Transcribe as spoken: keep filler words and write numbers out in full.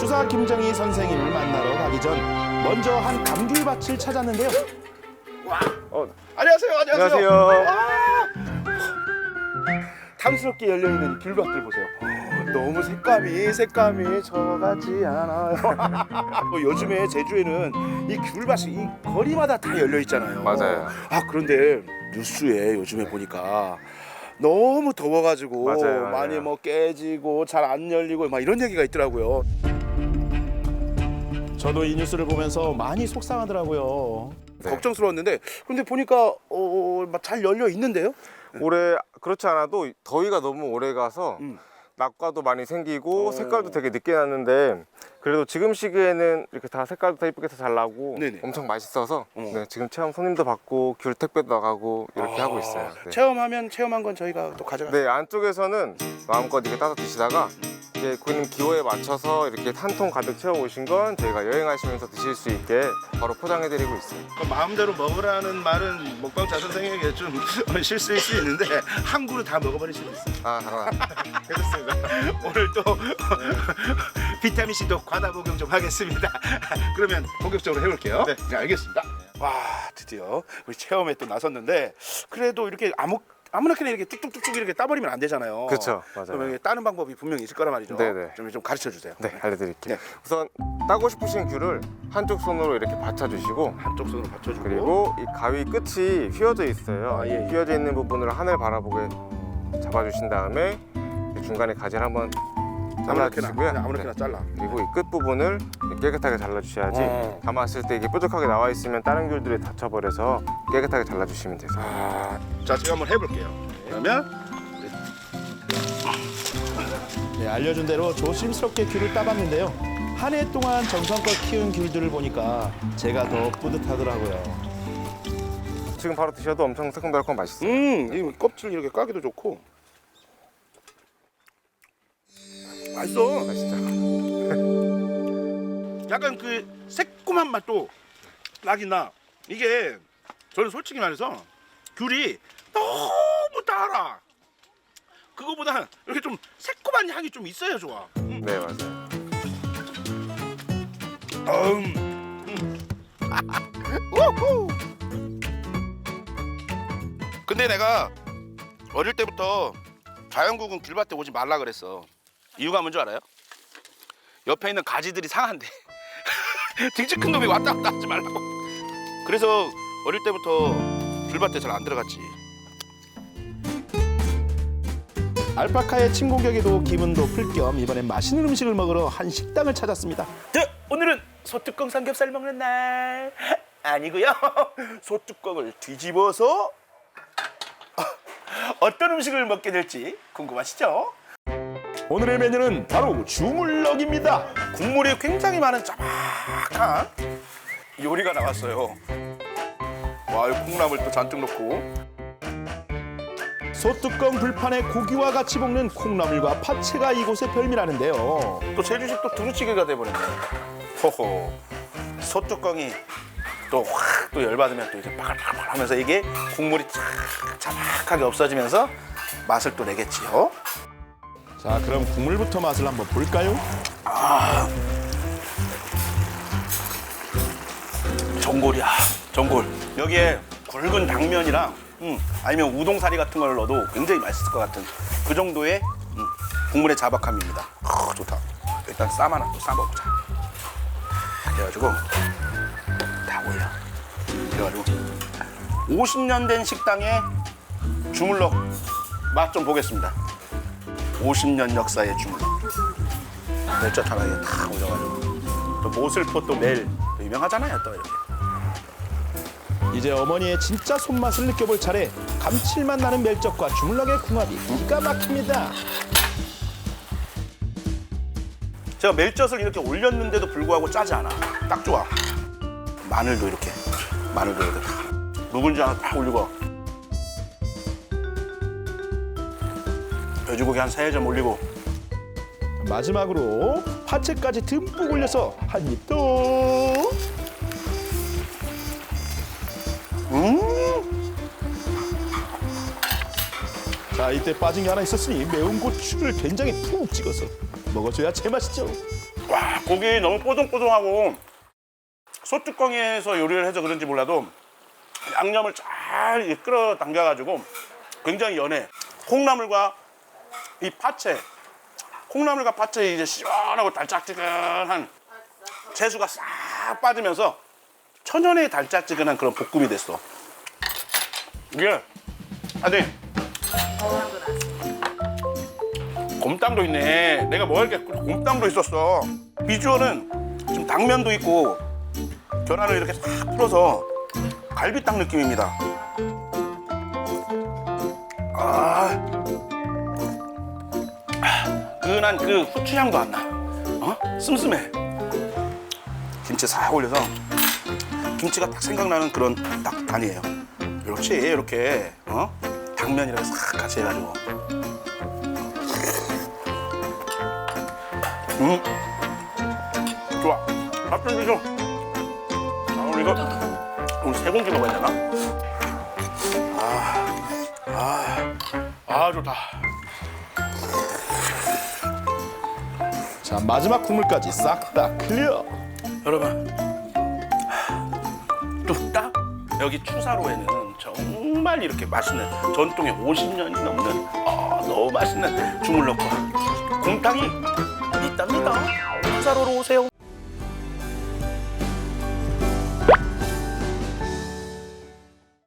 주사 김정희 선생님을 만나러 가기 전 먼저 한 감귤밭을 찾았는데요. 와, 어, 안녕하세요, 안녕하세요. 안녕하세요. 아, 탐스럽게 열려 있는 귤밭들 보세요. 어, 너무 색감이 색감이 저같지 않아요. 뭐 요즘에 제주에는 이 귤밭이 이 거리마다 다 열려 있잖아요. 맞아요. 아 그런데 뉴스에 요즘에 보니까 너무 더워가지고 맞아요, 맞아요. 많이 뭐 깨지고 잘 안 열리고 막 이런 얘기가 있더라고요. 저도 이 뉴스를 보면서 많이 속상하더라고요. 네. 걱정스러웠는데 근데 보니까 어, 막 잘 열려 있는데요? 올해 그렇지 않아도 더위가 너무 오래 가서 음. 낙과도 많이 생기고 어. 색깔도 되게 늦게 났는데 그래도 지금 시기에는 이렇게 다 색깔도 다 이쁘게 잘 나고 네네. 엄청 맛있어서 어. 네, 지금 체험 손님도 받고 귤 택배도 나가고 이렇게 아, 하고 있어요. 네. 체험하면 체험한 건 저희가 또 가져가. 네, 안쪽에서는 마음껏 이렇게 따서 드시다가 이제 고객님 기호에 맞춰서 이렇게 한 통 가득 채워 오신 건 저희가 여행하시면서 드실 수 있게 바로 포장해 드리고 있어요. 마음대로 먹으라는 말은 먹방자 선생에게 좀 실수일 수 있는데 한 그릇 다 먹어버릴 수도 있어요. 아, 당연합니다. 그렇습니다. 오늘 또 비타민 C도 과다 복용 좀 하겠습니다. 그러면 본격적으로 해볼게요. 네. 네, 알겠습니다. 와, 드디어 우리 체험에 또 나섰는데 그래도 이렇게 아무 아무렇게나 이렇게 뚝뚝뚝뚝 이렇게 따버리면 안 되잖아요. 그렇죠, 맞아요. 그러면 이게 따는 방법이 분명히 있을 거란 말이죠. 네네. 좀, 좀 가르쳐 주세요. 네, 알려드릴게요. 네. 우선 따고 싶으신 귤을 한쪽 손으로 이렇게 받쳐주시고 한쪽 손으로 받쳐주고 그리고 이 가위 끝이 휘어져 있어요. 아, 예, 예. 휘어져 있는 부분을 하늘 바라보게 잡아주신 다음에 이 중간에 가지를 한번 아무렇게나 잘라주시고요. 그냥 아무렇게나 네. 잘라. 그리고 이 끝 부분을 깨끗하게 잘라주셔야지 어. 담았을 때 이게 뾰족하게 나와 있으면 다른 귤들이 다쳐버려서 깨끗하게 잘라주시면 되세요. 아, 자 제가 한번 해볼게요. 그러면 네, 알려준 대로 조심스럽게 귤을 따봤는데요. 한 해 동안 정성껏 키운 귤들을 보니까 제가 더 뿌듯하더라고요. 지금 바로 드셔도 엄청 새콤달콤 맛있어요. 음, 이 껍질 이렇게 까기도 좋고 맛있어. 맛있죠? 약간 그 새콤한 맛도 나긴 나. 이게 저는 솔직히 말해서 귤이 너무 달아. 그거보다 이렇게 좀 새콤한 향이 좀 있어야 좋아. 음. 네, 맞아요. 음. 음. 우후. 근데 내가 어릴 때부터 자연국은 귤밭에 오지 말라 그랬어. 이유가 뭔지 알아요? 옆에 있는 가지들이 상한데 등치 큰 놈이 왔다 갔다 하지 말라고. 그래서 어릴 때부터 귤밭에 잘 안 들어갔지. 알파카의 침공격에도 기분도 풀 겸 이번엔 맛있는 음식을 먹으러 한 식당을 찾았습니다. 네, 오늘은 소뚜껑 삼겹살 먹는 날 아니고요. 소뚜껑을 뒤집어서 어떤 음식을 먹게 될지 궁금하시죠? 오늘의 메뉴는 바로 주물럭입니다. 국물이 굉장히 많은 짜박한 요리가 나왔어요. 와, 이 콩나물 또 잔뜩 넣고 소뚜껑 불판에 고기와 같이 볶는 콩나물과 파채가 이곳의 별미라는데요. 또 제주식 또 두루치기가 돼버렸네. 호호. 소뚜껑이 또 확 또 열받으면 또 이렇게 바글바글 하면서 이게 국물이 쫙 자박하게 없어지면서 맛을 또 내겠지요. 자, 그럼 국물부터 맛을 한번 볼까요? 아, 전골이야, 전골. 여기에 굵은 당면이랑 음, 아니면 우동사리 같은 걸 넣어도 굉장히 맛있을 것 같은 그 정도의 음, 국물의 자박함입니다. 아, 좋다. 일단 쌈 하나 또 싸먹자. 그래가지고 다 올려. 그래가지고 오십 년 된 식당의 주물럭 맛 좀 보겠습니다. 오십 년 역사의 주물럭. 멸젓 하나에 다 올려가지고 또 모슬포 또 매일 유명하잖아요, 또 이렇게. 이제 어머니의 진짜 손맛을 느껴볼 차례. 감칠맛 나는 멸젓과 주물럭의 궁합이 기가 막힙니다. 제가 멸젓을 이렇게 올렸는데도 불구하고 짜지 않아. 딱 좋아. 마늘도 이렇게, 마늘도 이렇게 다. 묵은지 하나 딱 올리고. 돼지고기 한 세 점 올리고. 마지막으로 파채까지 듬뿍 올려서 한 입 더. 음. 자, 이때 빠진 게 하나 있었으니 매운 고추를 된장에 푹 찍어서 먹어줘야 제맛이죠. 와, 고기 너무 뽀송뽀송하고 소뚜껑에서 요리를 해서 그런지 몰라도 양념을 잘 끌어당겨가지고 굉장히 연해. 콩나물과 이 파채, 콩나물과 파채 이제 시원하고 달짝지근한 채수가 싹 빠지면서 천연의 달짝지근한 그런 볶음이 됐어. 이게 아니 곰탕도 있네. 내가 먹을 게 곰탕도 있었어. 비주얼은 지금 당면도 있고 계란을 이렇게 싹 풀어서 갈비탕 느낌입니다. 아, 은한 그 후추향도 안 나. 어? 슴슴해. 김치 싹 올려서 김치가 딱 생각나는 그런 딱 간이에요. 그렇지, 이렇게 어? 당면이랑 싹 같이 해가지고. 음, 좋아. 밥 좀 주죠. 아, 오늘 이거 오늘 세 공기 먹어야 되나? 아, 아, 아 좋다. 자, 마지막 국물까지 싹 다 클리어. 여러분, 뚝딱 여기 추사로에는 정말 이렇게 맛있는 전통의 오십 년이 넘는 아, 너무 맛있는 주물럭과 곰탕이 있답니다. 추사로로 오세요.